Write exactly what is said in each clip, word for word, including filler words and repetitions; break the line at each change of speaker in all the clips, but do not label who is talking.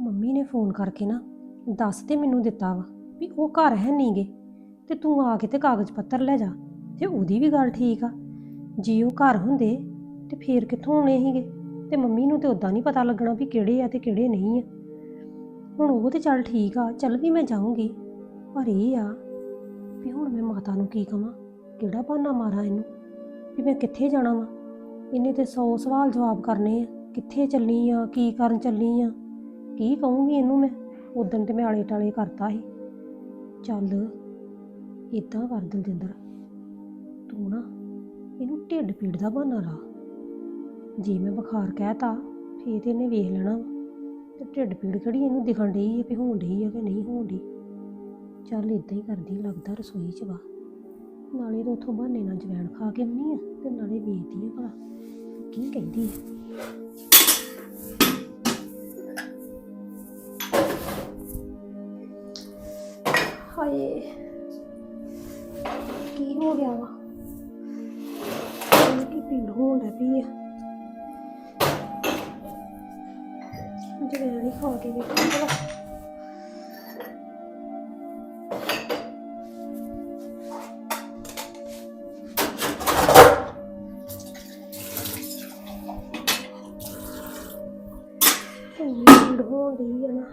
Mummy ਨੇ phone ਕਰਕੇ ਨਾ ਦੱਸ ਤੇ ਮੈਨੂੰ ਦਿੱਤਾ ਵਾ ਵੀ ਉਹ ਘਰ ਹੈ ਨਹੀਂਗੇ ਤੇ ਤੂੰ ਆ ਕੇ ਤੇ ਕਾਗਜ਼ ਪੱਤਰ ਲੈ ਜਾ। ਤੇ ਉਹਦੀ ਵੀ ਗੱਲ ਠੀਕ ਆ, ਜੇ ਉਹ ਘਰ ਹੁੰਦੇ ਤੇ ਫੇਰ ਕਿੱਥੋਂ ਆਉਣੇ ਸੀਗੇ। ਤੇ ਮੰਮੀ ਨੂੰ ਤੇ ਉਦਾਂ ਨਹੀਂ ਪਤਾ ਲੱਗਣਾ ਵੀ ਕਿਹੜੇ ਆ ਤੇ ਕਿਹੜੇ ਨਹੀਂ ਆ। ਹੁਣ ਉਹ ਤੇ ਚੱਲ ਠੀਕ ਆ, ਚੱਲ ਵੀ ਮੈਂ ਜਾਊਂਗੀ, ਪਰ ਇਹ ਆ ਵੀ ਹੁਣ ਮੈਂ ਮਾਤਾ ਨੂੰ ਕੀ ਕਵਾਂ, ਕਿਹੜਾ ਬਹਾਨਾ ਮਾਰਾਂ ਇਹਨੂੰ ਵੀ ਮੈਂ ਕਿੱਥੇ ਜਾਣਾ ਵਾ। ਇਹਨੇ ਤੇ ਸੌ ਸਵਾਲ ਜਵਾਬ ਕਰਨੇ ਆ, ਕਿੱਥੇ ਚੱਲੀ ਆ, ਕੀ ਕਰਨ ਚੱਲੀ ਆ, ਕੀ ਕਹੂੰਗੀ ਇਹਨੂੰ ਮੈਂ। ਉਦਣ ਤੇ ਮੈਂ ਆਲੇ ਟਾਲੇ ਕਰਤਾ ਸੀ। ਚੱਲ ਇਦਾਂ ਕਰ ਦਲਜਿੰਦਰ, ਤੂੰ ਨਾ ਇਹਨੂੰ ਢਿੱਡ ਪੀੜ ਦਾ ਬਹਾਨਾ ਲਾ। ਜੇ ਮੈਂ ਬੁਖਾਰ ਕਹਿਤਾ ਫੇਰ ਤੇ ਇਹਨੇ ਵੇਖ ਲੈਣਾ ਵਾ, ਤੇ ਢਿੱਡ ਪੀੜ ਕਿਹੜੀ ਇਹਨੂੰ ਦਿਖਣ ਡਈ ਹੈ ਵੀ ਹੋਣ ਡਈ ਆ ਕਿ ਨਹੀਂ ਹੋਣ ਡਈ। ਚੱਲ ਇਦਾਂ ਹੀ ਕਰਦੀ, ਲੱਗਦਾ ਰਸੋਈ ਚ ਵਾ। ਨਾਲੇ ਤਾਂ ਉੱਥੋਂ ਬਹਾਨੇ ਨਾਲ ਜਵੈਣ ਖਾ ਕੇ ਆਉਣੀ ਆ ਤੇ ਨਾਲੇ ਵੇਖਦੀ ਆ ਭਲਾ ਕੀ ਕਹਿੰਦੀ ਆ। ਹਾਏ ਕੀ ਹੋ ਗਿਆ ਵਾ, ਕੀ ਪੀੜ ਹੋਣ ਲੱਗ ਪਈ ਆ। ਜਵੈਣ ਹੀ ਖਾ ਕੇ ਵੇਖਾਂ ਭਲਾ। ਪੀੜ ਹੋਣ ਡਈ ਆ ਨਾ।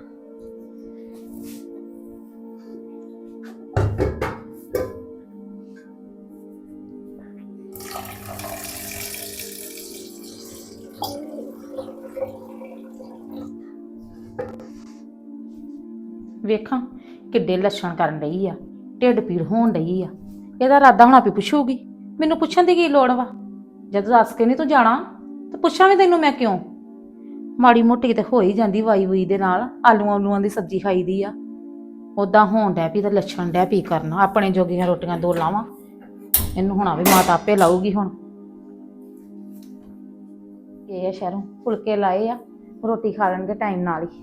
ਵੇਖਾਂ ਕਿੱਡੇ ਲੱਛਣ ਕਰਨ ਡਈ ਆ, ਢਿੱਡ ਪੀੜ ਹੋਣ ਡਈ ਆ। ਇਹਦਾ ਇਰਾਦਾ ਹੁਣ ਆਪੇ ਪੁੱਛੂਗੀ, ਮੈਨੂੰ ਪੁੱਛਣ ਦੀ ਕੀ ਲੋੜ ਵਾ। ਜਦ ਦੱਸ ਕੇ ਨਹੀਂ ਤੂੰ ਜਾਣਾ ਤੇ ਪੁੱਛਾਂ ਵੀ ਤੈਨੂੰ ਮੈਂ ਕਿਉਂ। ਮਾੜੀ ਮੋਟੀ ਤੇ ਹੋ ਹੀ ਜਾਂਦੀ ਵਾਈ ਵੂਈ ਦੇ ਨਾਲ, ਆਲੂਆਂ ਆਲੂਆਂ ਦੀ ਸਬਜ਼ੀ ਖਾਈਦੀ ਆ। ਉਦਾਂ ਹੋਣ ਡੈ ਪਈ ਤਾਂ ਲੱਛਣ ਡੈ ਪਈ ਕਰਨਾ। ਆਪਣੇ ਜੋਗੀਆਂ ਰੋਟੀਆਂ ਦੋ ਲਾਵਾਂ, ਇਹਨੂੰ ਹੁਣਾ ਵੀ ਮਾਤਾ ਆਪੇ ਲਾਊਗੀ। ਹੁਣ ਇਹ ਆ ਸ਼ਹਿਰੋਂ ਫੁਲਕੇ ਲਾਏ ਆ, ਰੋਟੀ ਖਾ ਲੈਣਗੇ ਟਾਈਮ ਨਾਲ ਹੀ।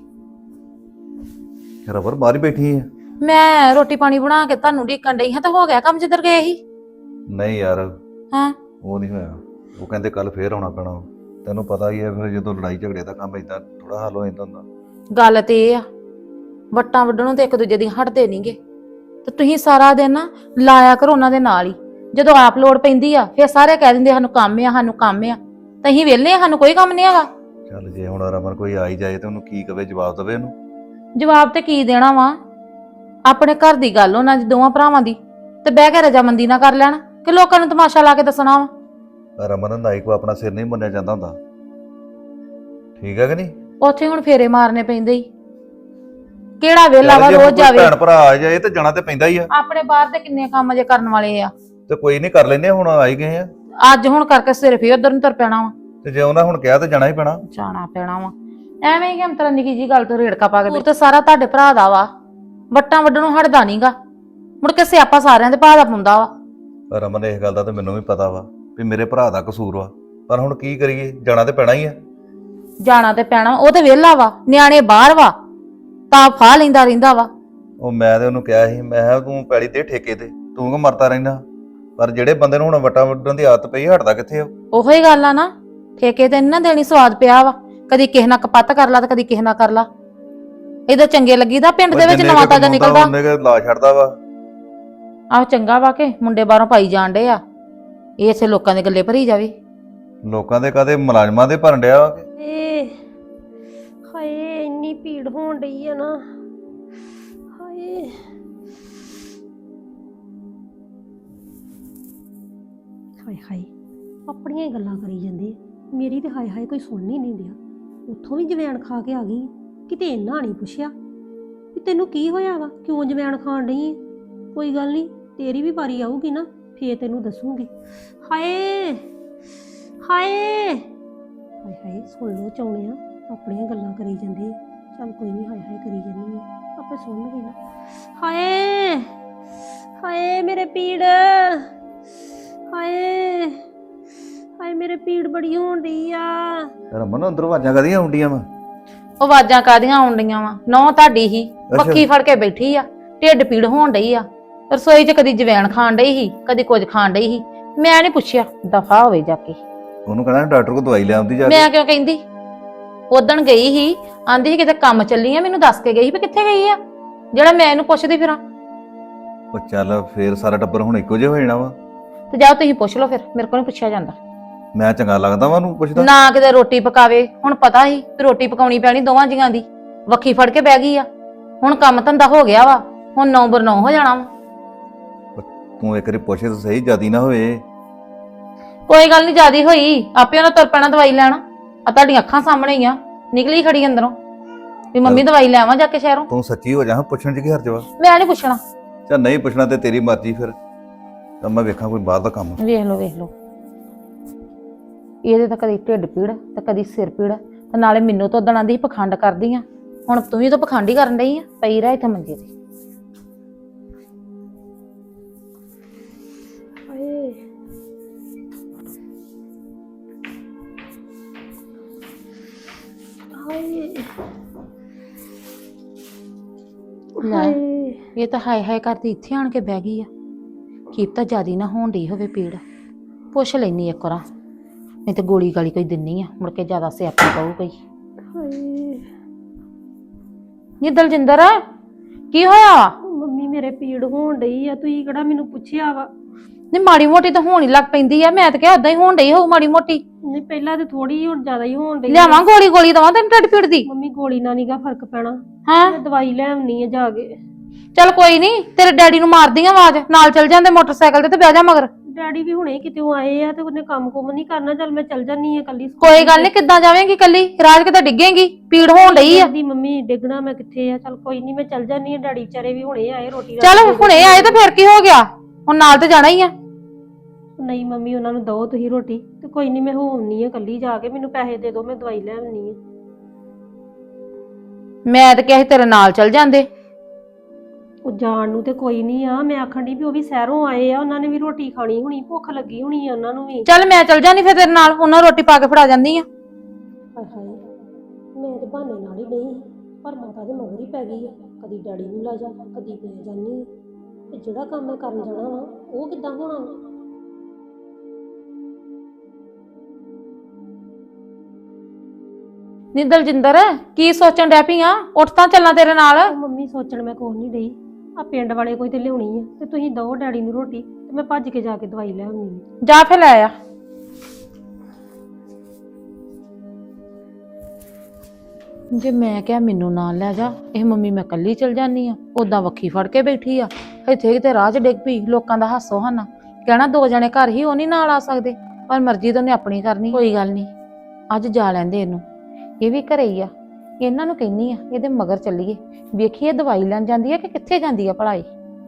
ਰਬਰ ਬਾਹਰ ਹੀ ਬੈਠੀ ਹੈ।
ਮੈਂ ਰੋਟੀ ਪਾਣੀ ਬਣਾ ਕੇ ਤੁਹਾਨੂੰ ਢੀਕਣ ਡਈ ਹਾਂ ਤਾਂ ਹੋ ਗਿਆ ਕੰਮ ਜਿੱਧਰ ਗਏ ਸੀ।
ਨਹੀਂ ਯਾਰ
ਹਾਂ
ਉਹ ਨਹੀਂ ਹੋਇਆ। ਉਹ ਕਹਿੰਦੇ ਕੱਲ ਫੇਰ ਆਉਣਾ ਪੈਣਾ। ਤੈਨੂੰ ਪਤਾ ਹੀ ਹੈ ਫਿਰ ਜਦੋਂ ਲੜਾਈ ਝਗੜੇ ਦਾ ਕੰਮ ਇਦਾਂ ਥੋੜਾ ਹੱਲ ਹੋ ਜਾਂਦਾ ਹੁੰਦਾ।
ਗੱਲ ਤੇ ਇਹ ਆ, ਵੱਟਾਂ ਵੱਢਣੋਂ ਤੇ ਇੱਕ ਦੂਜੇ ਦੀ ਹਟਦੇ ਨਹੀਂਗੇ। ਤੇ ਤੁਸੀਂ ਸਾਰਾ ਦਿਨ ਨਾ ਲਾਇਆ ਕਰੋ ਉਹਨਾਂ ਦੇ ਨਾਲ ਹੀ। ਜਦੋਂ ਆਪ ਲੋੜ ਪੈਂਦੀ ਆ ਫਿਰ ਸਾਰੇ ਕਹਿ ਦਿੰਦੇ ਸਾਨੂੰ ਕੰਮ ਆ, ਸਾਨੂੰ ਕੰਮ ਆ। ਤਾਂ ਅਸੀਂ ਵਿਹਲੇ ਆ, ਸਾਨੂੰ ਕੋਈ ਕੰਮ ਨਹੀਂ ਹੈਗਾ।
ਚੱਲ ਜੇ ਹੁਣ ਰਮਨ ਕੋਈ ਆ ਹੀ ਜਾਏ ਤੇ ਉਹਨੂੰ ਕੀ ਕਵੇ, ਜਵਾਬ ਦੇਵੇ ਉਹਨੂੰ।
ਜਵਾਬ ਤੇ ਕੀ ਦੇਣਾ ਵਾ, ਆਪਣੇ ਘਰ ਦੀ ਗੱਲ ਉਹਨਾਂ ਦੀ ਦੋਵਾਂ ਭਰਾਵਾਂ ਦੀ, ਤੇ ਬਹਿ ਕੇ ਰਜਾਮੰਦੀ ਨਾ ਕਰ ਲੈਣ ਕਿ ਲੋਕਾਂ ਨੂੰ ਤਮਾਸ਼ਾ ਲਾ ਕੇ ਦੱਸਣਾ ਵਾ।
ਰਮਨ ਨਾਈ ਕੋ ਆਪਣਾ ਸਿਰ ਨਹੀਂ ਮੁੰਨਿਆ ਜਾਂਦਾ ਹੁੰਦਾ, ਠੀਕ ਹੈ ਕਿ ਨਹੀਂ।
ਉੱਥੇ ਹੁਣ ਫੇਰੇ ਮਾਰਨੇ ਪੈਂਦੇ ਹੀ, ਕਿਹੜਾ ਵੇਲਾ ਵਾ ਰੋਜ਼ ਜਾਵੇ।
ਭੈਣ ਭਰਾ ਆ ਜਾਏ ਤੇ ਜਾਣਾ ਤੇ ਪੈਂਦਾ ਹੀ ਆ।
ਆਪਣੇ ਬਾਹਰ ਦੇ ਕਿੰਨੇ ਕੰਮ ਜੇ ਕਰਨ ਵਾਲੇ ਆ।
ਤੇ ਕੋਈ ਨਹੀਂ ਕਰ ਲੈਨੇ, ਹੁਣ ਆਈ ਗਏ ਆ।
ਅੱਜ ਹੁਣ ਕਰਕੇ ਸਿਰ ਫੇਰ ਉਧਰ ਨੂੰ ਤੁਰ ਪੈਣਾ ਵਾ।
ਤੇ ਜੇ ਉਹਨਾਂ ਹੁਣ ਕਿਹਾ ਤੇ ਜਾਣਾ ਹੀ ਪੈਣਾ।
ਜਾਣਾ ਪੈਣਾ ਵਾ ਐਵੇਂ ਹੀ ਕਿ ਨਿੱਕੀ ਜੀ ਗੱਲ ਤੋਂ ਰੇੜਕਾ ਪਾ ਕੇ। ਤੇ ਸਾਰਾ ਤੁਹਾਡੇ ਭਰਾ ਦਾ ਵਾ, ਵੱਟਾਂ ਵੱਢਣੋਂ ਹਟਦਾ ਨਹੀਂਗਾ। ਮੁੜ ਕੇ ਸਿਆਪਾ ਸਾਰਿਆਂ ਦੇ ਭਰਾ ਦਾ ਪੁੰਦਾ ਵਾ।
ਰਮਨ ਇਸ ਗੱਲ ਦਾ ਤੇ ਮੈਨੂੰ ਵੀ ਪਤਾ ਵਾ ਵੀ ਮੇਰੇ ਭਰਾ ਦਾ ਕਸੂਰ ਵਾ, ਪਰ ਹੁਣ ਕੀ ਕਰੀਏ, ਜਾਣਾ ਤੇ ਪੈਣਾ ਹੀ ਆ।
ਜਾਣਾ ਤੇ ਪੈਣਾ, ਉਹ ਤੇ ਵਿਹਲਾ ਵਾ, ਨਿਆਣੇ ਬਾਹਰ ਵਾ ਤਾਂ ਫਾਹ ਲੈਂਦਾ ਰਹਿੰਦਾ ਵਾ।
ਉਹ ਮੈਂ ਤੇ ਉਹਨੂੰ ਕਿਹਾ ਸੀ, ਮੈਂ ਕਿਹਾ ਤੂੰ ਪੈਲੀ ਦੇ ਠੇਕੇ ਤੇ ਤੂੰ ਕਿਉਂ ਮਰਦਾ ਰਹਿੰਦਾ। ਪਰ ਜਿਹੜੇ ਬੰਦੇ ਨੂੰ ਹੁਣ ਵੱਟਾਂ ਵੱਢਣ ਦੀ ਆਦਤ ਪਈ, ਹਟਦਾ ਕਿੱਥੇ ਆ।
ਉਹੋ ਹੀ ਗੱਲ ਆ ਨਾ, ਠੇਕੇ ਤੇ ਇਹਨਾਂ ਦੇਣੀ ਸਵਾਦ ਪਿਆ ਵਾ। ਕਦੀ ਕਿਸੇ ਨਾਲ ਕਪੱਤ ਕਰ ਲਾ ਤੇ ਕਦੀ ਕਿਸੇ ਨਾਲ ਕਰ ਲਾ। ਇਹਦਾ ਚੰਗੇ ਲੱਗੀਦਾ, ਪਿੰਡ ਦੇ ਵਿੱਚ ਨਵਾਂ ਤਾਜ਼ਾ ਨਿਕਲਦਾ
ਉਹਨੇ ਕਿ ਲਾ ਛੱਡਦਾ ਵਾ।
ਆਹ ਚੰਗਾ ਵਾ ਕਿ ਮੁੰਡੇ ਬਾਹਰੋਂ ਪਾਈ ਜਾਣ ਡੇ ਆ, ਇਹ ਇਥੇ ਲੋਕਾਂ ਦੇ ਗੱਲੇ ਭਰੀ ਜਾਵੇ।
ਲੋਕਾਂ ਦੇ ਕਦੇ ਮੁਲਾਜ਼ਮਾਂ ਦੇ ਭਰਨ ਡਿਆ ਵਾ।
ਏ ਹਾਏ ਇੰਨੀ ਭੀੜ ਹੋਣ ਡਈ ਆ ਨਾ। ਹਾਏ ਹਾਏ ਹਾਏ ਆਪਣੀਆਂ ਹੀ ਗੱਲਾਂ ਕਰੀ ਜਾਂਦੇ, ਮੇਰੀ ਤੇ ਹਾਏ ਹਾਏ ਕੋਈ ਸੁਣ ਹੀ ਨਹੀਂ ਡਿਆ। ਉੱਥੋਂ ਵੀ ਜਵੈਣ ਖਾ ਕੇ ਆ ਗਈ, ਕਿਤੇ ਇੰਨਾ ਨਹੀਂ ਪੁੱਛਿਆ ਵੀ ਤੈਨੂੰ ਕੀ ਹੋਇਆ ਵਾ, ਕਿਉਂ ਜਵੈਣ ਖਾਣ ਡਈ। ਕੋਈ ਗੱਲ ਨਹੀਂ, ਤੇਰੀ ਵੀ ਵਾਰੀ ਆਊਗੀ ਨਾ, ਫੇਰ ਤੈਨੂੰ ਦੱਸੂਗੀ। ਹਾਏ ਹਾਏ ਹਾਏ ਹਾਏ ਸੁਣ ਲੋ ਚਾਉਣਿਆ, ਆਪਣੀਆਂ ਗੱਲਾਂ ਕਰੀ ਜਾਂਦੇ। ਚੱਲ ਕੋਈ ਨਹੀਂ, ਹਾਏ ਹਾਏ ਕਰੀ ਜਾਂਦੀ ਆ, ਆਪੇ ਸੁਣਨਗੇ ਨਾ। ਹਾਏ ਹਾਏ ਮੇਰੇ ਪੀੜ, ਹਾਏ ਹਾਏ ਮੇਰੇ ਪੀੜ ਬੜੀ ਹੋਣ ਡਈ ਆ।
ਰਮਨ ਅੰਦਰੋਂ ਆਵਾਜ਼ਾਂ ਕਾਹਦੀਆਂ ਆਉਂਦੀਆਂ ਵਾ।
ਉਹ ਆਵਾਜ਼ਾਂ ਕਾਹਦੀਆਂ ਆਉਣ ਡਈਆਂ ਵਾ, ਨੌ ਤੁਹਾਡੀ ਹੀ ਮੱਖੀ ਫੜ ਕੇ ਬੈਠੀ ਆ, ਢਿੱਡ ਪੀੜ ਹੋਣ ਡਈ ਆ। ਰਸੋਈ 'ਚ ਕਦੀ ਜਵੈਣ ਖਾਣ ਡਈ ਸੀ, ਕਦੀ ਕੁਝ ਖਾਣ ਡਈ ਸੀ। ਮੈਂ ਨਹੀਂ ਪੁੱਛਿਆ, ਦਫਾ ਹੋਵੇ ਜਾ ਕੇ।
ਉਹਨੂੰ ਕਹਿਣਾ ਡਾਕਟਰ ਕੋਲ ਦਵਾਈ ਲੈ ਆਉਂਦੀ ਜਾ ਕੇ।
ਮੈਂ ਕਿਉਂ ਕਹਿੰਦੀ, ਉਦਣ ਗਈ ਸੀ, ਆਂਦੀ ਸੀ ਕਿਤੇ ਕੰਮ ਚੱਲੀ ਆ, ਮੈਨੂੰ ਦੱਸ ਕੇ ਗਈ ਸੀ ਵੀ ਕਿੱਥੇ ਗਈ ਆ, ਜਿਹੜਾ ਮੈਂ ਇਹਨੂੰ ਪੁੱਛਦੀ ਫਿਰਾਂ।
ਉਹ ਚੱਲ ਫੇਰ ਸਾਰਾ ਟੱਬਰ ਹੁਣ ਇੱਕੋ ਜਿਹਾ ਹੋ ਜਾਣਾ ਵਾ।
ਤੇ ਜਾਓ ਤੁਸੀਂ ਪੁੱਛ ਲਓ, ਫਿਰ ਮੇਰੇ ਕੋਲ ਨਹੀਂ ਪੁੱਛਿਆ ਜਾਂਦਾ।
ਮੈਂ ਚੰਗਾ ਲੱਗਦਾ ਵਾ ਉਹਨੂੰ ਪੁੱਛਦਾ?
ਨਾ ਕਿਤੇ ਰੋਟੀ ਪਕਾਵੇ, ਹੁਣ ਪਤਾ ਸੀ ਕਿ ਰੋਟੀ ਪਕਾਉਣੀ ਪੈਣੀ ਦੋਵਾਂ ਜੀਆਂ ਦੀ, ਵੱਖੀ ਫੜ ਕੇ ਬਹਿ ਗਈ ਆ। ਹੁਣ ਕੰਮ ਧੰਦਾ ਹੋ ਗਿਆ ਵਾ, ਹੁਣ ਨੌ ਬਰ ਨੌ ਹੋ ਜਾਣਾ ਵਾ।
ਤੂੰ ਇੱਕ ਵਾਰੀ ਪੁੱਛੇ ਤਾਂ ਸਹੀ, ਜਿਆਦੀ ਨਾ ਹੋਏ।
ਕੋਈ ਗੱਲ ਨਹੀਂ, ਜਿਆਦੀ ਹੋਈ ਆਪੇ ਉਹਨਾਂ ਤੁਰ ਪੈਣਾ ਦਵਾਈ ਲੈਣਾ। ਆ ਤੁਹਾਡੀਆਂ ਅੱਖਾਂ ਸਾਹਮਣੇ ਹੀ ਆ, ਨਿਕਲੀ ਖੜੀ ਅੰਦਰੋਂ ਵੀ ਮੰਮੀ ਦਵਾਈ ਲੈ ਆਵਾਂ ਜਾ ਕੇ ਸ਼ਹਿਰੋਂ।
ਤੂੰ ਸੱਚੀ ਹੋ ਜਾ, ਪੁੱਛਣ ਚ ਕੀ ਹਰਜ ਵਾ?
ਮੈਂ ਨਹੀਂ ਪੁੱਛਣਾ।
ਚੱਲ ਨਹੀਂ ਪੁੱਛਣਾ ਤੇ ਤੇਰੀ ਮਰਜ਼ੀ, ਫਿਰ ਤਾਂ ਮੈਂ ਵੇਖਾਂ ਕੋਈ ਬਾਹਰ ਦਾ ਕੰਮ।
ਵੇਖ ਲਓ ਵੇਖ ਲਓ, ਇਹਦੇ ਤਾਂ ਕਦੀ ਢਿੱਡ ਪੀੜ ਤੇ ਕਦੀ ਸਿਰ ਪੀੜ, ਤੇ ਨਾਲੇ ਮੈਨੂੰ ਤਾਂ ਉਦਣ ਆਂਦੀ ਪਖੰਡ ਕਰਦੀ ਆ, ਹੁਣ ਤੂੰ ਵੀ ਤਾਂ ਪਖੰਡ ਹੀ ਕਰਨ ਡਈ ਆ। ਪਈ ਰਹਿ ਇੱਥੇ ਮੰਜੇ ਤੇ।
ਹਾਏ ਹਾਏ
ਲੈ
ਹਾਏ
ਇਹ ਤਾਂ ਹਾਏ ਹਾਏ ਕਰਦੀ ਇੱਥੇ ਆਣ ਕੇ ਬਹਿ ਗਈ ਆ। ਕੀਪ ਤਾਂ ਜਿਆਦੀ ਨਾ ਹੋਣ ਡਈ ਹੋਵੇ ਪੀੜ, ਪੁੱਛ ਲੈਣੀ ਇੱਕ ਵਾਰ, ਨਹੀਂ ਤੇ ਗੋਲੀ ਗਾਲੀ ਕੋਈ ਦਿੰਨੀ ਆ, ਮੁੜ ਕੇ ਜ਼ਿਆਦਾ ਸਿਆਪੀ ਪਊ ਕੋਈ।
ਹਾਏ
ਨੀ ਦਲਜਿੰਦਰ ਕੀ ਹੋਇਆ?
ਮੰਮੀ ਮੇਰੇ ਪੀੜ ਹੋਣ ਡਈ ਆ, ਤੁਸੀਂ ਕਿਹੜਾ ਮੈਨੂੰ ਪੁੱਛਿਆ ਵਾ?
ਨੀ ਮਾੜੀ ਮੋਟੀ ਤਾਂ ਹੋਣ ਹੀ ਲੱਗ ਪੈਂਦੀ ਆ, ਮੈਂ ਤਾਂ ਕਿਹਾ ਓਦਾਂ ਹੀ ਹੋਣ ਡਈ ਹੋਊ ਮਾੜੀ ਮੋਟੀ।
ਨਹੀਂ ਪਹਿਲਾਂ ਤੇ ਥੋੜੀ, ਹੁਣ ਜ਼ਿਆਦਾ ਹੀ ਹੋਣ ਡਈ ਆ।
ਲਿਆਵਾਂ ਗੋਲੀ? ਗੋਲੀ ਦਵਾਂ ਤੈਨੂੰ ਢਿੱਡ ਪੀੜ ਦੀ?
ਮੰਮੀ ਗੋਲੀ ਨਾਲ ਨੀਗਾ ਫਰਕ ਪੈਣਾ,
ਹਾਂ
ਮੈਂ ਦਵਾਈ ਲੈ ਆਉਣੀ ਆ ਜਾ ਕੇ।
ਚੱਲ ਕੋਈ ਨਹੀਂ, ਤੇਰੇ ਡੈਡੀ ਨੂੰ ਮਾਰਦੀ ਆ ਆਵਾਜ਼, ਨਾਲ ਚੱਲ ਜਾਂਦੇ ਮੋਟਰਸਾਈਕਲ ਤੇ ਤੇ ਬਹਿ ਜਾ ਮਗਰ।
ਡੈਡੀ ਵੀ ਹੁਣੇ ਕਿਤੇ ਆਏ ਆ ਤੇ ਉਹਨੇ ਕੰਮ ਕੁਮ ਨਹੀਂ ਕਰਨਾ, ਚੱਲ ਮੈਂ ਚੱਲ ਜਾਨੀ ਆ ਕੱਲੀ।
ਕੋਈ ਗੱਲ ਨਹੀਂ, ਕਿੱਦਾਂ ਜਾਵੇਂਗੀ ਕੱਲੀ? ਰਾਜ ਕਿਤੇ ਡਿੱਗੇਗੀ, ਪੀੜ ਹੋਣ ਡਈ ਆ।
ਦੀ ਮੰਮੀ ਡਿੱਗਣਾ ਮੈਂ ਕਿੱਥੇ ਆ, ਚੱਲ ਕੋਈ ਨਹੀਂ ਮੈਂ ਚੱਲ ਜਾਨੀ ਆ। ਡੈਡੀ ਵਿਚਾਰੇ ਵੀ ਹੁਣੇ ਆਏ ਰੋਟੀ
ਚੱਲ ਹੁਣੇ ਆਏ ਤਾਂ ਫਿਰ ਕੀ ਹੋ ਗਿਆ, ਹੁਣ ਨਾਲ ਤੇ ਜਾਣਾ ਹੀ ਆ।
ਨਹੀਂ ਮੰਮੀ ਉਹਨਾਂ ਨੂੰ ਦਓ ਤੁਸੀਂ ਰੋਟੀ, ਤੇ ਕੋਈ ਨਹੀਂ ਮੈਂ ਹੋ ਆਉਣੀ ਆ ਕੱਲੀ ਜਾ ਕੇ। ਮੈਨੂੰ ਪੈਸੇ ਦੇ ਦਿਓ, ਮੈਂ ਦਵਾਈ ਲੈ ਆਉਣੀ ਆ।
ਮੈਂ ਤਾਂ ਕਿਹਾ ਸੀ ਤੇਰੇ ਨਾਲ ਚੱਲ ਜਾਂਦੇ।
ਉਹ ਜਾਣ ਨੂੰ ਤੇ ਕੋਈ ਨਹੀਂ ਆ, ਮੈਂ ਆਖਣ ਦੀ ਵੀ ਉਹ ਵੀ ਸ਼ਹਿਰੋਂ ਆਏ ਆ, ਉਹਨਾਂ ਨੇ ਵੀ ਰੋਟੀ ਖਾਣੀ ਹੋਣੀ, ਭੁੱਖ ਲੱਗੀ ਹੋਣੀ ਆ ਉਹਨਾਂ ਨੂੰ ਵੀ।
ਚੱਲ ਮੈਂ ਚੱਲ ਜਾਨੀ ਫਿਰ ਤੇਰੇ ਨਾਲ, ਉਹਨਾਂ ਰੋਟੀ ਪਾ ਕੇ ਫੜਾ ਜਾਂਦੀ ਆ।
ਹਾਏ ਹਾਏ ਮੈਂ ਤੇ ਬਹਾਨੇ ਨਾਲ ਹੀ ਨਹੀਂ, ਪਰ ਮਾਤਾ ਦੇ ਮਗਰ ਹੀ ਪੈ ਗਈ ਆ, ਕਦੀ ਡੈਡੀ ਨੂੰ ਲੈ ਜਾ ਕਦੀ ਮੈਂ ਜਾਨੀ ਆ, ਤੇ ਜਿਹੜਾ ਕੰਮ ਮੈਂ ਕਰਨ ਜਾਣਾ ਵਾ ਉਹ ਕਿੱਦਾਂ ਹੋਣਾ ਵਾ?
ਨੀ ਦਲਜਿੰਦਰ ਕੀ ਸੋਚਣ ਡੈ ਪਈ ਆ? ਉੱਠ ਤਾਂ ਚੱਲਾਂ ਤੇਰੇ ਨਾਲ।
ਉਹ ਮੰਮੀ ਸੋਚਣ ਮੈਂ ਕੁਛ ਨਹੀਂ ਡਈ, ਆ ਪਿੰਡ ਵਾਲੇ ਕੋਈ ਤੇ ਲਿਆਉਣੀ ਆ, ਤੇ ਤੁਸੀਂ ਦਓ ਡੈਡੀ ਨੂੰ ਰੋਟੀ, ਤੇ ਮੈਂ ਭੱਜ ਕੇ ਜਾ ਕੇ ਦਵਾਈ ਲੈ ਆਉਣੀ ਆ।
ਜਾ ਫਿਰ ਲੈ ਆ। ਜੇ ਮੈਂ ਕਿਹਾ ਮੈਨੂੰ ਨਾਲ ਲੈ ਜਾ, ਇਹ ਮੰਮੀ ਮੈਂ ਕੱਲੀ ਚਲ ਜਾਨੀ ਆ, ਉਦਾਂ ਵੱਖੀ ਫੜ ਕੇ ਬੈਠੀ ਆ। ਇੱਥੇ ਕਿਤੇ ਰਾਹ 'ਚ ਡਿੱਗ ਪਈ, ਲੋਕਾਂ ਦਾ ਹਾਸੋ ਹਾਨਾ ਕਹਿਣਾ ਦੋ ਜਣੇ ਘਰ ਹੀ, ਉਹ ਨਹੀਂ ਨਾਲ ਆ ਸਕਦੇ, ਪਰ ਮਰਜ਼ੀ ਤਾਂ ਉਹਨੇ ਆਪਣੀ ਕਰਨੀ। ਕੋਈ ਗੱਲ ਨਹੀਂ, ਅੱਜ ਜਾ ਲੈਂਦੇ ਇਹਨੂੰ, ਇਹ ਵੀ ਘਰੇ ਹੀ ਆ। ਇਹਨਾਂ ਨੂੰ ਕਹਿੰਨੀ ਆ ਇਹਦੇ ਮਗਰ ਚੱਲੀਏ, ਵੇਖੀਏ ਦਵਾਈ ਲੈਣ ਜਾਂਦੀ ਆ ਕਿ ਕਿੱਥੇ ਜਾਂਦੀ ਆ ਭਲਾਈ।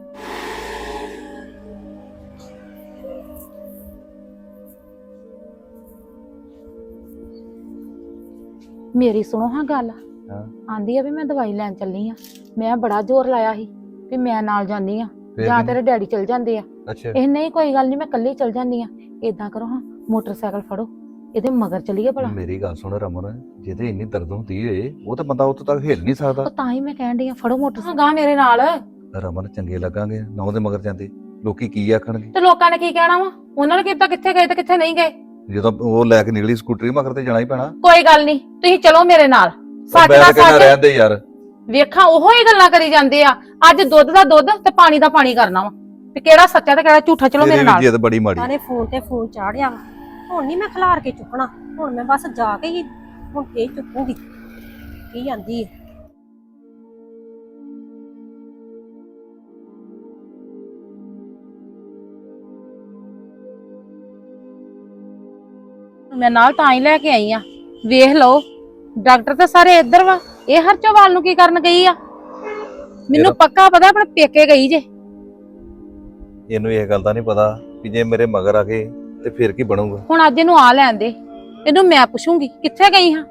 ਮੇਰੀ ਸੁਣੋ ਹਾਂ ਗੱਲ, ਆਂਦੀ ਆ ਵੀ ਮੈਂ ਦਵਾਈ ਲੈਣ ਚੱਲੀ ਆ। ਮੈਂ ਬੜਾ ਜ਼ੋਰ ਲਾਇਆ ਸੀ ਵੀ ਮੈਂ ਨਾਲ ਜਾਂਦੀ ਆ, ਜਾਂ ਤੇਰੇ ਡੈਡੀ ਚਲ ਜਾਂਦੇ ਆ।
ਅੱਛਾ
ਇਹ ਨਹੀਂ ਕੋਈ ਗੱਲ ਨਹੀਂ, ਮੈਂ ਕੱਲੀ ਚਲ ਜਾਂਦੀ ਆ। ਏਦਾਂ ਕਰੋ ਹਾਂ, ਮੋਟਰਸਾਈਕਲ ਫੜੋ, ਇਹਦੇ ਮਗਰ ਚੱਲੀਏ ਭਲਾ।
ਮੇਰੀ ਗੱਲ ਸੁਣ ਰਮਨ, ਜਿਹਦੇ ਇੰਨੀ ਦਰਦ ਹੁੰਦੀ ਏ ਉਹ ਤਾਂ ਬੰਦਾ ਉੱਥੋਂ ਤੱਕ ਹਿੱਲ ਨਹੀਂ ਸਕਦਾ।
ਉਹ ਤਾਂ ਹੀ ਮੈਂ ਕਹਿਣ ਡਈ ਆ, ਫੜੋ ਮੋਟਰਸਾਈਕਲ ਗਾ ਮੇਰੇ ਨਾਲ।
ਰਮਨ ਚੰਗੇ ਲੱਗਾਂਗੇ ਨਾ ਉਹਦੇ ਮਗਰ ਜਾਂਦੇ, ਲੋਕੀ ਕੀ ਆਖਣਗੇ?
ਤੇ ਲੋਕਾਂ ਨੇ ਕੀ ਕਹਿਣਾ ਵਾ? ਉਹਨਾਂ ਨੇ ਕਿਹਾ ਕਿੱਥੇ ਗਏ ਤੇ ਕਿੱਥੇ ਨਹੀਂ ਗਏ।
ਜਦੋਂ ਉਹ ਲੈ ਕੇ ਨਿਕਲੀ ਸਕੂਟਰੀ ਮਗਰ ਤੇ ਜਾਣਾ ਹੀ ਪੈਣਾ।
ਕੋਈ ਗੱਲ ਨਹੀਂ, ਤੁਸੀਂ ਚਲੋ ਮੇਰੇ ਨਾਲ। ਸੱਚ
ਮੈਂ
ਦਾ
ਤਾਂ ਕਹਿੰਦਾ
ਸੱਚ
ਰਹਿੰਦੇ ਯਾਰ,
ਵੇਖਾਂ ਉਹੋ ਹੀ ਗੱਲਾਂ ਕਰੀ ਜਾਂਦੇ ਆ। ਅੱਜ ਦੁੱਧ ਦਾ ਦੁੱਧ ਤੇ ਪਾਣੀ ਦਾ ਪਾਣੀ ਕਰਨਾ ਵਾ, ਤੇ ਕਿਹੜਾ ਸੱਚਾ ਤੇ ਕਿਹੜਾ ਝੂਠਾ। ਚਲੋ ਮੇਰੇ ਨਾਲ।
ਜਿੱਦ ਬੜੀ ਮਾੜੀ।
ਸਾਰੇ ਫੋਨ ਤੇ ਫੋਨ ਚਾੜਿਆ ਵਾ, ਹੁਣ ਨਹੀਂ ਮੈਂ ਖਿਲਾਰ ਕੇ ਚੁੱਕਣਾ, ਹੁਣ ਮੈਂ ਬਸ ਜਾ ਕੇ ਹੀ ਹੁਣ ਫੇਰ ਚੁੱਕੂਗੀ। ਕੀ ਆਂਦੀ ਹੈ?
ਮੈਂ ਨਾਲ ਤਾਂ ਹੀ ਲੈ ਕੇ ਆਈ ਆ। ਵੇਖ ਲਓ, ਡਾਕਟਰ ਤਾਂ ਸਾਰੇ ਇੱਧਰ ਵਾ, ਇਹ ਹਰਚੋਵਾਲ ਨੂੰ ਕੀ ਕਰਨ ਗਈ ਆ? ਮੈਨੂੰ ਪੱਕਾ ਪਤਾ ਆਪਣੇ ਪੇਕੇ ਗਈ ਜੇ।
ਇਹਨੂੰ ਇਹ ਗੱਲ ਦਾ ਨਹੀਂ ਪਤਾ ਕਿ ਜੇ ਮੇਰੇ ਮਗਰ ਆ ਗਏ ਤੇ ਫਿਰ ਕੀ ਬਣੂਗਾ।
ਹੁਣ ਅੱਜ ਇਹਨੂੰ ਆ ਲੈਣ ਦੇ, ਇਹਨੂੰ ਮੈਂ ਪੁੱਛੂੰਗੀ ਕਿੱਥੇ ਗਈ ਹਾਂ।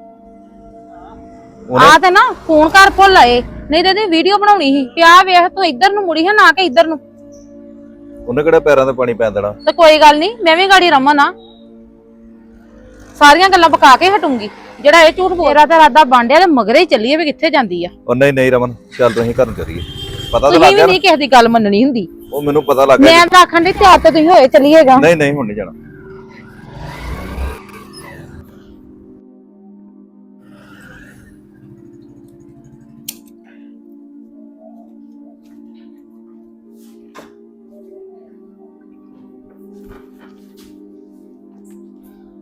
ਆ ਤੇ ਨਾ ਫੋਨ ਕਰ ਭੁੱਲ ਆਏ, ਨਹੀਂ ਤੇ ਇਹਦੀ ਵੀਡੀਓ ਬਣਾਉਣੀ ਸੀ ਕਿ ਆ ਵੇਖ ਤੂੰ ਇੱਧਰ ਨੂੰ ਮੁੜੀ ਹੈ ਨਾ ਕਿ ਇੱਧਰ ਨੂੰ।
ਉਹਨੇ ਕਿਹੜਾ ਪੈਰਾਂ ਤੇ ਪਾਣੀ ਪੈਣ ਦੇਣਾ।
ਤੇ ਕੋਈ ਗੱਲ ਨਹੀਂ, ਮੈਂ ਵੀ ਗਾੜੀ ਰਮਨ ਆ, ਸਾਰੀਆਂ ਗੱਲਾਂ ਪਕਾ ਕੇ ਹਟੂੰਗੀ। ਜਿਹੜਾ ਇਹ ਝੂਠ ਬੋਲ ਰਿਹਾ ਤੇ ਰਾਦਾ ਬਾਂਡਿਆ ਤੇ ਮਗਰੇ ਹੀ ਚੱਲੀਏ ਵੀ ਕਿੱਥੇ ਜਾਂਦੀ ਆ।
ਉਹ ਨਹੀਂ ਨਹੀਂ ਰਮਨ, ਚੱਲ ਤੁਸੀਂ ਘਰ ਨੂੰ ਚੱਲੀਏ। ਪਤਾ ਤਾਂ
ਤੁਸੀਂ
ਲੱਗ
ਵੀ
ਗਿਆ
ਨਹੀਂ ਕਿਸੇ ਦੀ ਗੱਲ ਮੰਨਣੀ ਹੁੰਦੀ।
ਉਹ ਮੈਨੂੰ ਪਤਾ ਲੱਗ ਗਿਆ।
ਮੈਂ ਤਾਂ ਆਖਣ ਦੀ ਤਿਆਰ ਤੇ ਤੁਸੀਂ ਹੋਏ ਚੱਲੀਏਗਾ।
ਨਹੀਂ ਨਹੀਂ ਹੁਣ ਨਹੀਂ ਜਾਣਾ।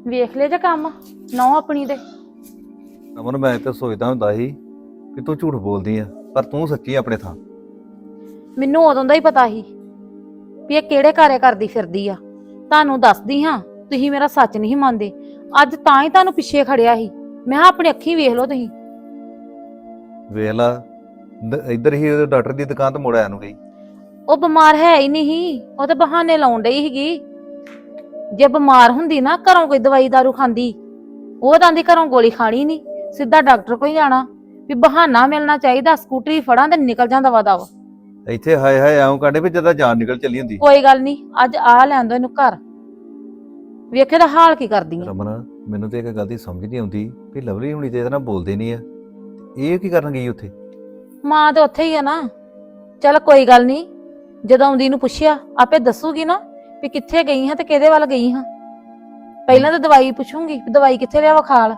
ਵੇਖ ਲੈ ਜੇ ਕੰਮ ਨੌ ਆਪਣੀ ਦੇ।
ਅਮਨ ਮੈਂ ਤਾਂ ਸੋਚਦਾ ਹੁੰਦਾ ਸੀ ਕਿ ਤੂੰ ਝੂਠ ਬੋਲਦੀ ਆ, ਪਰ ਤੂੰ ਸੱਚੀ ਆ ਆਪਣੇ ਥਾਂ।
ਮੈਨੂੰ ਉਦੋਂ ਦਾ ਹੀ ਪਤਾ ਸੀ ਵੀ ਇਹ ਕਿਹੜੇ ਕਾਰੇ ਕਰਦੀ ਫਿਰਦੀ ਆ। ਤੁਹਾਨੂੰ ਦੱਸਦੀ ਹਾਂ, ਤੁਸੀਂ ਮੇਰਾ ਸੱਚ ਨਹੀਂ ਮੰਨਦੇ। ਅੱਜ ਤਾਂ ਹੀ ਤੁਹਾਨੂੰ ਪਿੱਛੇ ਖੜਿਆ ਸੀ। ਮੈਂ ਕਿਹਾ ਆਪਣੀ ਅੱਖੀਂ ਵੇਖ ਲਓ ਤੁਸੀਂ।
ਵੇਖ ਲਾ ਦ- ਇੱਧਰ ਹੀ ਉਹਦੇ ਡਾਕਟਰ ਦੀ ਦੁਕਾਨ ਤੇ ਮੁੜ ਆਇਆ ਨੂੰ ਗਈ।
ਉਹ ਬਿਮਾਰ ਹੈ ਹੀ ਨਹੀਂ ਸੀ, ਉਹ ਤੇ ਬਹਾਨੇ ਲਾਉਣ ਡਈ ਸੀਗੀ। ਜੇ ਬਿਮਾਰ ਹੁੰਦੀ ਨਾ ਘਰੋਂ ਕੋਈ ਦਵਾਈ ਦਾਰੂ ਖਾਂਦੀ, ਉਹ ਤਾਂ ਦੀ ਘਰੋਂ ਗੋਲੀ ਖਾਣੀ ਨਹੀਂ, ਸਿੱਧਾ ਡਾਕਟਰ ਕੋਲ ਹੀ ਜਾਣਾ। ਵੀ ਬਹਾਨਾ ਮਿਲਣਾ ਚਾਹੀਦਾ, ਸਕੂਟਰੀ ਫੜਾਂ ਤੇ ਨਿਕਲ ਜਾਂਦਾ ਵਾ ਦਵਾ।
ਇੱਥੇ ਹਾਏ ਹਾਏ ਐਉਂ ਕਾਂਡੇ ਵੀ ਜਦਾਂ ਜਾਨ ਨਿਕਲ ਚੱਲੀ ਹੁੰਦੀ।
ਕੋਈ ਗੱਲ ਨਹੀਂ, ਅੱਜ ਆ ਲੈਣ ਦੋ ਇਹਨੂੰ ਘਰ, ਵੇਖੇ ਦਾ ਹਾਲ ਕੀ ਕਰਦੀ ਆ।
ਰਮਨ ਮੈਨੂੰ ਤੇ ਇੱਕ ਗੱਲ ਦੀ ਸਮਝ ਨਹੀਂ ਆਉਂਦੀ ਵੀ ਲਵਲੀ ਹੁਣੀ ਤੇ ਇਹਦੇ ਨਾਲ ਬੋਲਦੇ ਨਹੀਂ ਆ, ਇਹ ਕੀ ਕਰਨ ਗਈ ਉੱਥੇ?
ਮਾਂ ਤੇ ਉੱਥੇ ਹੀ ਆ ਨਾ। ਚੱਲ ਕੋਈ ਗੱਲ ਨਹੀਂ, ਜਦੋਂ ਆਉਂਦੀ ਨੂੰ ਪੁੱਛਿਆ ਆਪੇ ਦੱਸੂਗੀ ਨਾ ਵੀ ਕਿੱਥੇ ਗਈ ਹਾਂ ਤੇ ਕਿਹਦੇ ਵੱਲ ਗਈ ਹਾਂ। ਪਹਿਲਾਂ ਤਾਂ ਦਵਾਈ ਪੁੱਛੂੰਗੀ ਵੀ ਦਵਾਈ ਕਿੱਥੇ ਲਿਆ ਵਿਖਾਲ।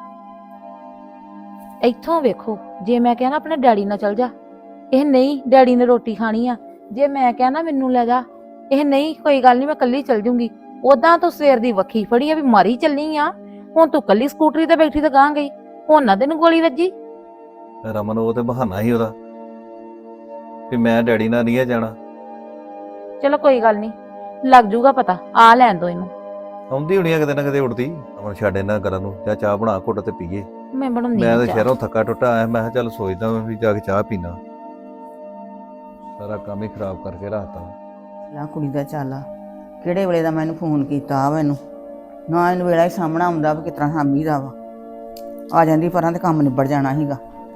ਇੱਥੋਂ ਵੇਖੋ, ਜੇ ਮੈਂ ਕਿਹਾ ਨਾ ਆਪਣੇ ਡੈਡੀ ਨਾਲ ਚਲ ਜਾ, ਇਹ ਨਹੀਂ ਡੈਡੀ ਨੇ ਰੋਟੀ ਖਾਣੀ ਆ। ਜੇ ਮੈਂ ਕਿਹਾ ਨਾ ਮੈਨੂੰ ਲੈ ਜਾ, ਇਹ ਨਹੀਂ ਕੋਈ ਗੱਲ ਨਹੀਂ ਮੈਂ ਕੱਲੀ ਚਲ ਜੂੰਗੀ। ਉਦਾਂ ਤੂੰ ਸਵੇਰ ਦੀ ਵੱਖੀ ਫੜੀ ਆ ਵੀ ਮਾਰੀ ਚੱਲੀ ਆ, ਹੁਣ ਤੂੰ ਕੱਲੀ ਸਕੂਟਰੀ ਤੇ ਬੈਠੀ ਤੇ ਗਾਂ ਗਈ, ਹੁਣ ਨਾ ਤੈਨੂੰ ਗੋਲੀ ਵੱਜੀ।
ਰਮਨ ਉਹ ਤੇ ਬਹਾਨਾ ਹੀ ਉਹਦਾ ਵੀ ਮੈਂ ਡੈਡੀ ਨਾਲ ਨਹੀਂ ਆ ਜਾਣਾ।
ਚਲੋ ਕੋਈ ਗੱਲ ਨਹੀਂ, ਲੱਗ ਜੂਗਾ ਪਤਾ, ਆ ਲੈਣ ਦੋ ਇਹਨੂੰ।
ਆਉਂਦੀ ਹੋਣੀ ਆ ਕਿਤੇ ਨਾ ਕਿਤੇ ਉੱਠਦੀ। ਅਮਨ ਛੱਡ ਇਹਨਾਂ ਗੱਲਾਂ ਨੂੰ, ਜਾਂ ਚਾਹ ਬਣਾ ਘੁੱਟ ਤੇ ਪੀਏ।
ਮੈਂ ਬਣਾਉਂਦੀ
ਮੈਂ
ਆ
ਤਾਂ
ਚਾਹ।
ਸ਼ਹਿਰੋਂ ਥੱਕਾ ਟੁੱਟਾ ਆਇਆ, ਮੈਂ ਕਿਹਾ ਚੱਲ ਸੋਚਦਾ ਮੈਂ ਵੀ ਜਾ ਕੇ ਚਾਹ ਪੀਣਾ। ਸਾਰਾ ਕੰਮ ਹੀ ਖਰਾਬ ਕਰਕੇ ਰੱਖਤਾ।
ਲਾ ਕੁੜੀ ਦਾ ਚਾਲਾ ਕਿਹੜੇ ਵੇਲੇ ਦਾ ਮੈਨੂੰ ਫੋਨ ਕੀਤਾ ਵਾ ਇਹਨੂੰ, ਨਾ ਇਹਨੂੰ ਵੇਲਾ ਹੀ ਸਾਹਮਣਾ ਆਉਂਦਾ ਵੀ ਕਿਤਨਾ ਹਾਮੀ ਦਾ ਵਾ। ਆ ਜਾਂਦੀ ਪਰਾਂ ਤੇ ਕੰਮ ਨਿਬੜ ਜਾਣਾ ਸੀਗਾ।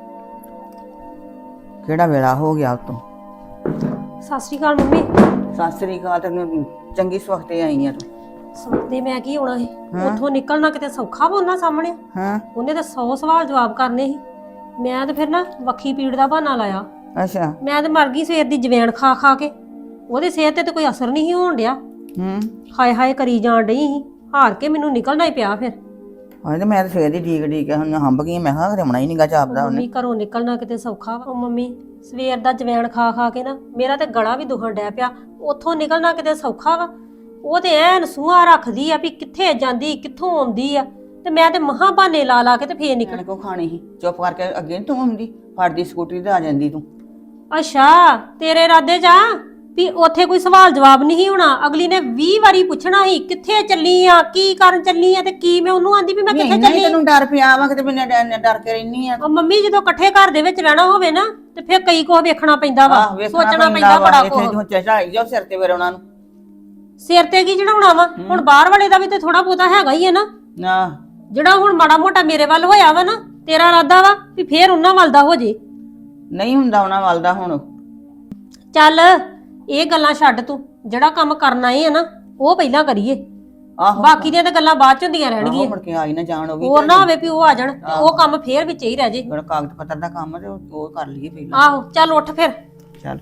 ਕਿਹੜਾ ਵੇਲਾ ਹੋ ਗਿਆ ਉਤੋਂ।
ਸਤਿ ਸ਼੍ਰੀ ਅਕਾਲ ਮੰਮੀ।
ਸਤਿ ਸ੍ਰੀ ਅਕਾਲ। ਤੈਨੂੰ ਚੰਗੀ ਸਵਖਤੇ ਆਈ ਆ ਤੂੰ।
ਸੌਦੇ ਮੈਂ ਕੀ ਹੋਣਾ ਸੀ,
ਹਾਂ।
ਉੱਥੋਂ ਨਿਕਲਣਾ ਕਿਤੇ ਸੌਖਾ ਵਾ ਉਹਨਾਂ ਸਾਹਮਣੇ।
ਹਾਂ
ਉਹਨੇ ਤਾਂ ਸੌ ਸਵਾਲ ਜਵਾਬ ਕਰਨੇ ਸੀ। ਮੈਂ ਤੇ ਫਿਰ ਨਾ ਵੱਖੀ ਪੀੜ ਦਾ ਬਹਾਨਾ ਲਾਇਆ।
ਅੱਛਾ।
ਮੈਂ ਤੇ ਮਰ ਗਈ ਸਵੇਰ ਦੀ ਜਵੈਣ ਖਾ ਖਾ ਕੇ। ਉਹਦੇ ਸਿਹਤ ਤੇ ਤਾਂ ਕੋਈ ਅਸਰ ਨਹੀਂ ਸੀ ਹੋਣ ਡਿਆ।
ਹੂੰ।
ਹਾਏ ਹਾਏ ਕਰੀ ਜਾਣ ਡਈ ਸੀ। ਹਾਰ ਕੇ ਮੈਨੂੰ ਨਿਕਲਣਾ ਹੀ ਪਿਆ ਫਿਰ।
ਹਾਂ ਤੇ ਮੈਂ ਤਾਂ ਸਵੇਰ ਦੀ ਡੀਕ ਡੀਕ ਹੁਣ ਹੰਬ ਗਈ। ਮੈਂ ਕਿਹਾ ਰਮਣਾ ਹੀ ਨੀਗਾ ਜਾਪਦਾ ਉਹਨੇ।
ਮੰਮੀ ਘਰੋਂ ਨਿਕਲਣਾ ਕਿਤੇ ਸੌਖਾ ਵਾ। ਉਹ ਮੰਮੀ ਸਵੇਰ ਦਾ ਜਵੈਣ ਖਾ ਖਾ ਕੇ ਨਾ ਮੇਰਾ ਤੇ ਗਲਾ ਵੀ ਦੁਖਣ ਡਿਆ ਪਿਆ। ਉੱਥੋਂ ਨਿਕਲਣਾ ਕਿਤੇ ਸੌਖਾ ਵਾ। ਉਹ ਤੇ ਐਨ ਸੂਹਾ ਰੱਖਦੀ ਆ ਵੀ ਕਿੱਥੇ ਜਾਂਦੀ ਕਿੱਥੋਂ ਆਉਂਦੀ ਆ, ਤੇ ਮੈਂ ਤੇ ਮਹਾਂ ਬਹਾਨੇ ਲਾ ਲਾ ਕੇ ਤੇ ਫੇਰ ਨਿਕਲ।
ਨਿਕਲ ਕੋ ਖਾਣੀ ਸੀ, ਚੁੱਪ ਕਰਕੇ ਅੱਗੇ ਨੀ ਤੂੰ ਆਉਂਦੀ, ਫੜਦੀ ਸਕੂਟਰੀ ਤੇ ਆ ਜਾਂਦੀ ਤੂੰ।
ਅੱਛਾ ਤੇਰੇ ਇਰਾਦੇ ਜਾ ਵੀ ਉੱਥੇ ਕੋਈ ਸਵਾਲ ਜਵਾਬ ਨਹੀਂ ਹੋਣਾ। ਅਗਲੀ ਨੇ ਵੀਹ ਵਾਰੀ ਪੁੱਛਣਾ ਸੀ ਕਿੱਥੇ ਚੱਲੀ ਆ, ਕੀ ਕਰਨ ਚੱਲੀ ਆ, ਤੇ ਕੀ ਮੈਂ ਉਹਨੂੰ ਆਂਦੀ ਵੀ ਮੈਂ ਕਿੱਥੇ
ਨਹੀਂ
ਚੱਲੀ।
ਤੈਨੂੰ ਡਰ ਪਿਆ ਵਾ ਕਿਤੇ ਮੈਂ ਡਰ ਕੇ ਰਹਿਨੀ ਆ।
ਉਹ ਮੰਮੀ ਜਦੋਂ ਇਕੱਠੇ ਘਰ ਦੇ ਵਿੱਚ ਰਹਿਣਾ ਹੋਵੇ ਨਾ ਤੇ ਫਿਰ ਕਈ ਕੁਝ ਵੇਖਣਾ ਪੈਂਦਾ ਵਾ,
ਆਹ, ਵੇਖਣਾ
ਸੋਚਣਾ ਪੈਂਦਾ
ਵਾ,
ਬੜਾ
ਇੱਥੇ
ਕੁਝ।
ਤੂੰ ਚੜਾਈ ਜਾਓ ਸਿਰ ਤੇ ਫਿਰ ਉਹਨਾਂ ਨੂੰ।
ਸਿਰ ਤੇ ਕੀ ਚੜਾਉਣਾ ਵਾ, ਹੁਣ ਬਾਹਰ ਵਾਲੇ ਦਾ ਵੀ ਤੇ ਥੋੜਾ ਬਹੁਤਾ ਹੈਗਾ ਹੀ ਹੈ ਨਾ।
ਨਾ
ਜਿਹੜਾ ਹੁਣ ਮਾੜਾ ਮੋਟਾ ਮੇਰੇ ਵੱਲ ਹੋਇਆ ਵਾ ਨਾ, ਤੇਰਾ ਇਰਾਦਾ ਵਾ ਵੀ ਫੇਰ ਉਹਨਾਂ ਵੱਲ ਦਾ ਹੋ ਜੇ।
ਨਹੀਂ ਹੁੰਦਾ ਉਹਨਾਂ ਵੱਲ ਦਾ ਹੁਣ।
ਚੱਲ ਇਹ ਗੱਲਾਂ ਛੱਡ, ਤੂੰ ਜਿਹੜਾ ਕੰਮ ਕਰਨਾ ਏ ਆ ਨਾ ਉਹ ਪਹਿਲਾਂ ਕਰੀਏ।
ਆਹੋ
ਬਾਕੀ ਦੀਆਂ ਤਾਂ ਗੱਲਾਂ ਬਾਅਦ ਚ ਹੁੰਦੀਆਂ
ਆਹੋ,
ਰਹਿਣਗੀਆਂ।
ਮੁੜ ਕੇ ਆਈ ਨਾ ਜਾਣ ਉਹ ਵੀ।
ਹੋਰ ਨਾ ਹੋਵੇ ਵੀ ਉਹ ਆ ਜਾਣ ਤੇ ਉਹ ਕੰਮ ਫੇਰ ਵਿੱਚ ਹੀ ਰਹਿ ਜੇ।
ਜਿਹੜਾ ਕਾਗਜ਼ ਪੱਤਰ ਦਾ ਕੰਮ ਤੇ ਉਹ ਉਹ ਕਰ ਲਈਏ ਪਹਿਲਾਂ।
ਆਹੋ ਚੱਲ ਉੱਠ ਫਿਰ।
ਚੱਲ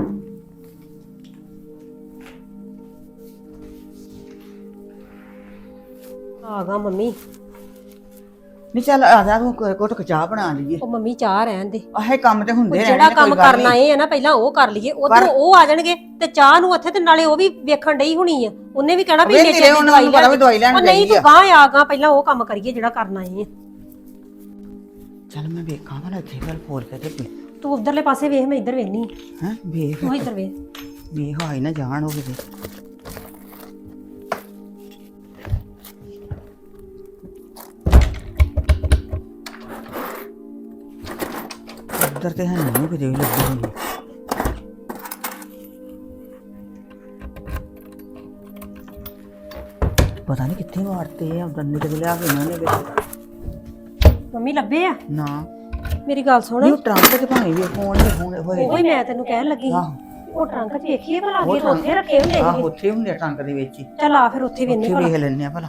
ਆ ਗਾ ਮੰਮੀ।
ਨਹੀਂ ਚੱਲ ਆ ਜਾ ਤੂੰ ਘੁੱਟ ਕੇ ਚਾਹ ਬਣਾ ਲਈਏ।
ਉਹ ਮੰਮੀ ਚਾਹ ਰਹਿਣ ਦੇ।
ਆਹੇ ਕੰਮ ਤੇ ਹੁੰਦੇ
ਉਹ
ਰਹਿਣੇ
ਜਿਹੜਾ
ਨੇ,
ਕੰਮ
ਕੋਈ ਗੱਲ
ਕਰਨਾ
ਨਹੀਂ।
ਏ ਆ ਨਾ ਪਹਿਲਾਂ ਉਹ ਕਰ ਲਈਏ। ਉਧਰ ਉਹ ਆ ਜਾਣਗੇ ਤੇ ਚਾਹ ਨੂੰ ਉੱਥੇ ਤੇ ਨਾਲੇ ਉਹ ਵੀ ਵੇਖਣ ਡਈ ਹੋਣੀ ਆ। ਉਹਨੇ ਵੀ ਕਹਿਣਾ ਵੀ
ਵੇਖ
ਇੰਨੇ
ਤੇਰੇ
ਚਿਰ ਦੀ
ਉਹਨਾਂ
ਦਵਾਈ
ਨੂੰ ਪਤਾ ਵੀ ਦਵਾਈ ਲੈਣ
ਉਹ ਨਹੀਂ
ਗਈ
ਤੂੰ
ਆ।
ਗਾਂ ਆ ਗਾ ਪਹਿਲਾਂ ਉਹ ਕੰਮ ਕਰੀਏ ਜਿਹੜਾ ਕਰਨਾ ਏ ਆ।
ਚੱਲ ਮੈਂ ਵੇਖਾਂ ਭਲਾ ਇੱਥੇ ਗੱਲ ਫੋਲ ਕੇ ਤੇ
ਤੂੰ ਉਧਰਲੇ ਪਾਸੇ ਵੇਖ, ਮੈਂ ਇੱਧਰ ਵੇਖਨੀ।
ਹੈ ਵੇਖ
ਤੂੰ ਇੱਧਰ ਵੇਖ।
ਵੇਖ ਆਈ ਨਾ ਜਾਣ ਉਹ ਕਿਤੇ। ਉੱਧਰ ਤੇ ਹੈ ਨਹੀਂ ਕਿਤੇ ਵੀ ਲੱਗੀ ਹੋਈ। ਪਤਾ ਨਹੀਂ ਕਿੱਥੇ ਵਾਰਤੇ ਆ ਉਧਰ ਨਿਕਲ ਲਿਆ ਕੇ ਇਹਨਾਂ ਨੇ ਵਿੱਚ।
ਮੰਮੀ ਲੱਭੇ ਆ?
ਨਾ
ਮੇਰੀ ਗੱਲ ਸੁਣ।
ਨਹੀਂ ਉਹ ਟਰੰਕ ਤੇ ਭਾਵੇਂ ਵੀ ਫੋਨ ਤੇ ਫੋਨ ਹੋਏ।
ਉਹੀ ਮੈਂ ਤੈਨੂੰ ਕਹਿਣ ਲੱਗੀ ਸੀ।
ਆਹੋ
ਉਹ ਟਰੰਕ 'ਚ ਵੇਖੀਏ ਭਲਾ ਅੱਗੇ ਤਾਂ ਉੱਥੇ ਰੱਖੇ ਹੁੰਦੇ
ਆਹ
ਸੀਗੇ।
ਉੱਥੇ ਹੁੰਦੇ ਆ ਟਰੰਕ ਦੇ ਵਿੱਚ ਹੀ।
ਚੱਲ ਆ ਫਿਰ ਉੱਥੇ ਵੇਖਨੇ
ਉੱਥੇ
ਭਲਾ।
ਵੇਖ ਲੈਣੇ ਆ ਭਲਾ।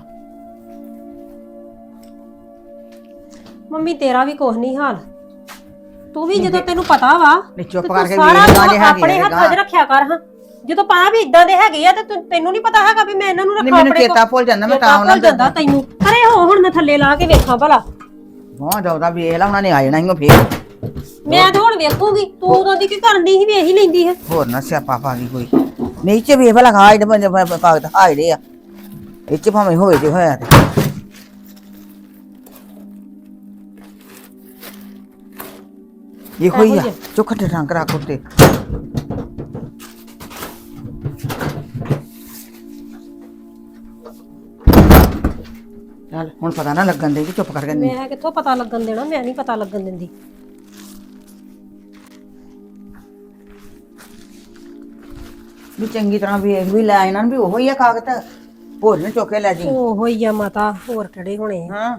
ਮੰਮੀ ਤੇਰਾ ਵੀ ਕੁਛ ਨਹੀਂ ਹਾਲ। ਤੂੰ ਵੀ ਜਦੋਂ ਤੈਨੂੰ ਪਤਾ ਵਾ
ਨਹੀਂ ਚੁੱਪ
ਤੇ ਤੂੰ
ਕਰਕੇ
ਸਾਰਾ
ਵੇਖ ਲਾ ਜੇ
ਕੰਮ ਆਪਣੇ
ਹੈਗੇ
ਹੱਥਾਂ 'ਚ ਰੱਖਿਆ ਕਰ। ਹਾਂ ਜਦੋਂ ਪਤਾ ਵੀ ਇਦਾਂ ਦੇ ਹੈਗੇ ਆ ਤੇ ਤੈਨੂੰ- ਤੈਨੂੰ ਨਹੀਂ ਪਤਾ ਹੈਗਾ ਵੀ ਮੈਂ ਇਹਨਾਂ ਨੂੰ
ਨਹੀਂ
ਰੱਖਾਂ
ਮੈਨੂੰ
ਆਪਣੇ
ਚੇਤਾ ਭੁੱਲ ਜਾਂਦਾ ਮੈਂ ਤਾਂ ਉਹਨਾਂ
ਭੁੱਲ ਜਾਂਦਾ ਤੈਨੂੰ। ਅਰੇ ਹੋ ਹੁਣ ਮੈਂ ਥੱਲੇ ਲਾ ਕੇ ਵੇਖਾਂ ਭਲਾ।
ਬਹੁਤ ਜ਼ਿਆਦਾ ਵੇਖ ਲਾ ਉਹਨਾਂ ਨੇ ਆ ਜਾਣਾ ਹੀ ਫੇਰ।
ਮੈਂ ਤਾਂ ਹੁਣ ਵੇਖੂਗੀ। ਤੂੰ ਉਦੋਂ ਦੀ ਕੀ ਕਰਨ ਦੀ ਸੀ, ਵੇਖ ਹੀ ਲੈਂਦੀ ਹੈ।
ਹੋਰ ਨਾ ਸਿਆਪਾ ਪਾ ਗਈ ਕੋਈ। ਨਹੀਂ ਚ ਵੇਖ ਭਲਾ ਖਾ ਇਹਦੇ ਬੰਦੇ ਕਾਗਜ਼ ਹਾਇੜੇ ਆ। ਇਹ ਚ ਭਾਵੇਂ ਹੋਏ ਜੇ ਹੋਇਆ ਤੇ ਇਹੋ ਹੀ
ਇਹੋ
ਆ
ਹੀ ਆ।
ਚੁੱਕ ਤੇ ਰੰਗ ਰੱਖ ਉੱਤੇ ਚੱਲ ਹੁਣ ਪਤਾ ਨਾ ਲੱਗਣ ਦੇ ਕਿ ਚੁੱਪ ਕਰਕੇ ਨਹੀਂ
ਮੈਂ ਕਿੱਥੋਂ ਪਤਾ ਲੱਗਣ ਦੇਣਾ, ਮੈਂ ਨਹੀਂ ਪਤਾ ਲੱਗਣ ਦਿੰਦੀ।
ਵੀ ਚੰਗੀ ਤਰ੍ਹਾਂ ਵੇਖ ਵੀ ਲੈ ਇਹਨਾਂ ਨੂੰ ਵੀ ਉਹੋ ਹੀ ਆ ਕਾਗਜ਼ ਹੋਰ ਨੇ ਚੁੱਕ ਕੇ ਲੈ ਜੀ
ਉਹੋ ਹੀ ਆ ਮਾਤਾ, ਹੋਰ ਕਿਹੜੇ ਹੋਣੇ ਆ।
ਹਾਂ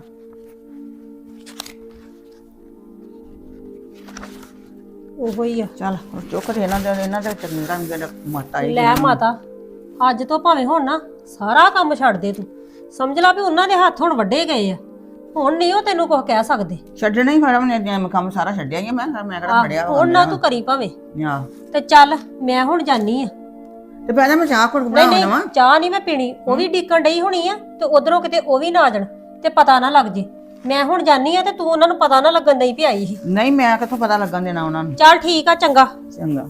ਉਹੋ ਹੀ ਆ।
ਚੱਲ ਹੁਣ ਚੁੱਕ ਤੇ ਇਹਨਾਂ ਦੇ ਇਹਨਾਂ ਦੇ ਚੰਗੀ ਰੰਗ ਦੇ ਮਾਤਾ ਹੀ
ਲੈ ਮਾਤਾ, ਅੱਜ ਤੋਂ ਭਾਵੇਂ ਹੁਣ ਨਾ ਸਾਰਾ ਕੰਮ ਛੱਡ ਦੇ ਤੂੰ। ਸਮਝ ਲਾ ਵੀ ਉਹਨਾਂ ਦੇ ਹੱਥ ਹੁਣ ਵੱਡੇ ਗਏ ਆ, ਹੁਣ ਨਹੀਂ ਉਹ ਤੈਨੂੰ ਕੁਝ ਕਹਿ ਸਕਦੇ।
ਛੱਡਣਾ ਹੀ ਫੜਾ ਮੈਂ ਮੈਂ ਕੰਮ ਸਾਰਾ ਛੱਡਿਆ ਹੀ ਆ, ਮੈਂ ਮੈਂ ਕਿਹੜਾ ਫੜਿਆ
ਹੁਣ ਨਾ ਤੂੰ ਕਰੀ ਭਾਵੇਂ।
ਆ
ਤੇ ਚੱਲ ਮੈਂ ਹੁਣ ਜਾਨੀ ਆ।
ਤੇ ਪਹਿਲਾਂ ਮੈਂ ਚਾਹ ਘੁੱਟ
ਨਹੀਂ
ਬਣਾ
ਨਹੀਂ
ਲਵਾਂ
ਚਾਹ ਨਹੀਂ ਮੈਂ ਪੀਣੀ, ਉਹ ਵੀ ਡੀਕਣ ਡਈ ਹੋਣੀ ਆ ਤੇ ਉਧਰੋਂ ਕਿਤੇ ਉਹ ਵੀ ਨਾ ਆ ਜਾਣ ਤੇ ਪਤਾ ਨਾ ਲੱਗ ਜੇ। ਮੈਂ ਹੁਣ ਜਾਨੀ ਆ ਤੇ ਤੂੰ ਉਹਨਾਂ ਨੂੰ ਪਤਾ ਨਾ ਲੱਗਣ ਦਈ ਵੀ ਆਈ ਸੀ।
ਨਹੀਂ ਮੈਂ ਕਿੱਥੋਂ ਪਤਾ ਲੱਗਣ ਦੇਣਾ ਉਹਨਾਂ ਨੂੰ।
ਚੱਲ ਠੀਕ ਆ, ਚੰਗਾ।
ਚੰਗਾ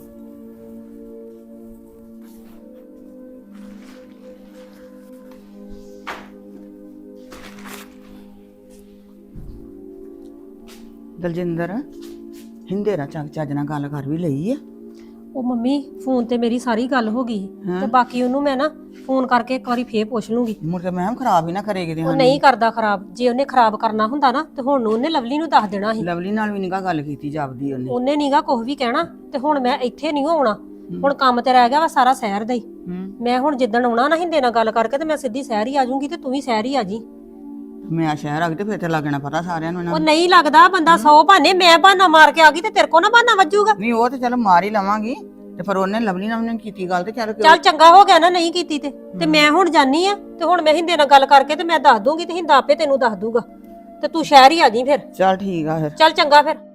ਦਲਜਿੰਦਰ ਹਿੰਦੇ ਨਾਲ ਚੱਕ ਚੱਜ ਨਾਲ ਗੱਲ ਕਰ ਵੀ ਲਈ ਆ।
ਉਹ ਮੰਮੀ ਫੋਨ ਤੇ ਮੇਰੀ ਸਾਰੀ ਗੱਲ ਹੋ ਗਈ ਤੇ ਬਾਕੀ ਉਹਨੂੰ ਮੈਂ ਨਾ ਫੋਨ ਕਰਕੇ ਇੱਕ ਵਾਰੀ ਫੇਰ ਪੁੱਛ ਲੂੰਗੀ।
ਮੁੜ ਕੇ ਮੈਂ ਖਰਾਬ ਹੀ ਨਾ ਕਰੇ ਕਿਤੇ
ਉਹ ਨਹੀਂ ਕਰਦਾ ਖਰਾਬ, ਜੇ ਉਹਨੇ ਖਰਾਬ ਕਰਨਾ ਹੁੰਦਾ ਨਾ ਤੇ ਹੁਣ ਨੂੰ ਉਹਨੇ ਲਵਲੀ ਨੂੰ ਦੱਸ ਦੇਣਾ ਸੀ।
ਲਵਲੀ ਨਾਲ ਵੀ ਨਿਕਾ ਗੱਲ ਕੀਤੀ ਜਾਪਦੀ ਉਹਨੇ।
ਉਹਨੇ ਨੀਗਾ ਕੁਝ ਵੀ ਕਹਿਣਾ ਤੇ ਹੁਣ ਮੈਂ ਇੱਥੇ ਨਹੀਂ ਆਉਣਾ, ਹੁਣ ਕੰਮ ਤੇ ਰਹਿ ਗਿਆ ਵਾ ਸਾਰਾ ਸ਼ਹਿਰ ਦਾ ਹੀ।
ਹੂੰ
ਮੈਂ ਹੁਣ ਜਿੱਦਣ ਆਉਣਾ ਨਾ ਹਿੰਦੇ ਨਾਲ ਗੱਲ ਕਰਕੇ ਤੇ ਮੈਂ ਸਿੱਧੀ ਸ਼ਹਿਰ ਹੀ ਆ ਜਾਊਂਗੀ ਤੇ ਤੂੰ ਵੀ ਸ਼ਹਿਰ ਹੀ ਆ ਜੀ।
ਮੈਂ ਸ਼ਹਿਰ ਆ ਗਈ ਤੇ ਫਿਰ ਤੇ ਲੱਗਣਾ ਪਤਾ ਸਾਰਿਆਂ ਨੂੰ
ਉਹ
ਇਹਨਾਂ
ਨਹੀਂ ਲੱਗਦਾ, ਬੰਦਾ ਸੌ ਬਹਾਨੇ, ਮੈਂ ਬਹਾਨਾ ਮਾਰ ਕੇ ਆ ਗਈ ਤੇ ਤੇਰੇ ਕੋ ਨਾ ਬਹਾਨਾ ਵੱਜੂਗਾ।
ਨਹੀਂ ਉਹ ਤੇ ਚਲ ਮਾਰ ਹੀ ਲਵਾਂਗੀ ਤੇ ਪਰ ਉਹਨੇ ਲਵਲੀ ਨਾਲ ਉਹਨੇ ਕੀਤੀ ਗੱਲ ਤੇ ਚੱਲ
ਚੱਲ ਚੰਗਾ ਹੋ ਗਿਆ ਨਾ ਨਹੀਂ ਕੀਤੀ ਤੇ ਤੇ ਮੈਂ ਹੁਣ ਜਾਨੀ ਆ ਤੇ ਹੁਣ ਮੈਂ ਹਿੰਦੇ ਨਾਲ ਗੱਲ ਕਰਕੇ ਤੇ ਮੈਂ ਦੱਸ ਦੂੰਗੀ ਤੇ ਹਿੰਦਾ ਆਪੇ ਤੈਨੂੰ ਦੱਸ ਦੂਗਾ ਤੇ ਤੂੰ ਸ਼ਹਿਰ ਹੀ ਆ ਜੀ ਫਿਰ।
ਚੱਲ ਠੀਕ ਆ ਫਿਰ।
ਚੱਲ ਚੰਗਾ ਫਿਰ।